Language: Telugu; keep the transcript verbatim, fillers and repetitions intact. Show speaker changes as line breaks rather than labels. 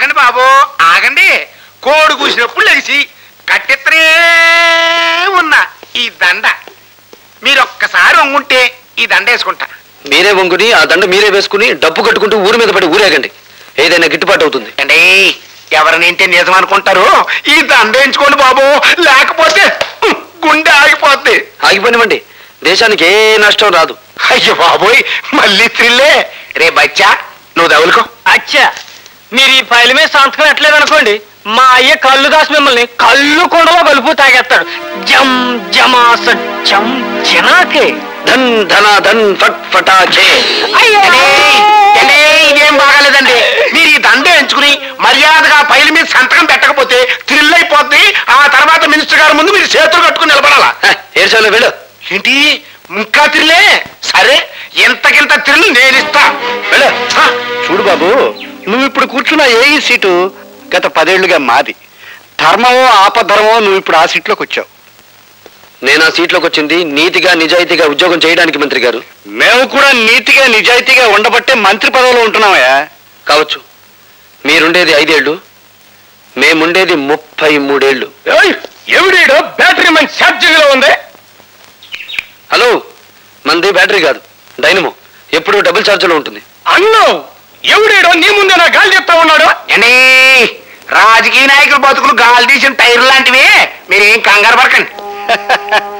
ఆగండి బాబు ఆగండి. కోడి కూసినప్పుడు లెగిసి కట్టెత్తనే ఉన్న ఈ దండ మీరు ఒక్కసారి వంగుంటే ఈ దండ వేసుకుంటా.
మీరే వంగుని ఆ దండ మీరే వేసుకుని డబ్బు కట్టుకుంటూ ఊరి మీద పడి ఊరేగండి, ఏదైనా గిట్టుబాటు అవుతుంది.
అండి ఎవరినింటే నిజం అనుకుంటారు, ఈ దండ వేయించుకోండి బాబు, లేకపోతే గుండె ఆగిపోద్ది.
ఆగిపోనివ్వండి, దేశానికి ఏ నష్టం రాదు.
అయ్యో బాబోయ్ మళ్ళీ త్రిల్లే. రే బచ్చా నువ్వు దవులుకో.
అచ్చా మీరు ఈ ఫైల్ మీద సంతకం ఎట్లేదనుకోండి, మా అయ్య కళ్ళు దాసి మిమ్మల్ని కళ్ళు కొండలో కలుపు తాగేస్తాడు. జమ్ జమాస జం జనాకే
ధన్ ధన ధన్ ఫట్ ఫటాకే.
ఇదేం బాగాలేదండి. మీరు ఈ దండ ఎంచుకుని మర్యాదగా ఫైల్ మీద సంతకం పెట్టకపోతే థ్రిల్ అయిపోద్ది. ఆ తర్వాత మినిస్టర్ గారి ముందు మీరు చేతులు కట్టుకుని నిలబడాలా.
ఏడ్చాలో వెళ్ళు.
ఏంటి ఇంకా థ్రిల్లే? సరే ఎంతకింత థ్రిల్ నేను ఇస్తా.
వెళ్ళు. చూడు బాబు, నువ్వు ఇప్పుడు కూర్చున్న ఏ ఈ సీటు గత పదేళ్లుగా మాది. ధర్మమో ఆపధర్మమో నువ్వు ఇప్పుడు ఆ సీట్లోకి వచ్చావు. నేను ఆ సీట్లోకి వచ్చింది నీతిగా నిజాయితీగా ఉద్యోగం చేయడానికి మంత్రి గారు. మేము కూడా నీతిగా నిజాయితీగా ఉండబట్టే మంత్రి పదవిలో ఉంటున్నామయ్యా. కావచ్చు, మీరుండేది ఐదేళ్లు, మేముండేది ముప్పై మూడేళ్లు.
ఎవడేడో బ్యాటరీ మంచి ఛార్జింగ్ లో ఉంది.
హలో, మంది బ్యాటరీ కాదు డైనమో, ఎప్పుడు డబుల్ ఛార్జ్లో ఉంటుంది.
అన్ను ఎవడేడో నీ ముందే నా గాలి చెప్తా ఉన్నాడు. అండి రాజకీయ నాయకులు బతుకులు గాలి తీసిన టైర్ లాంటివి, మీరేం కంగారు పడకండి.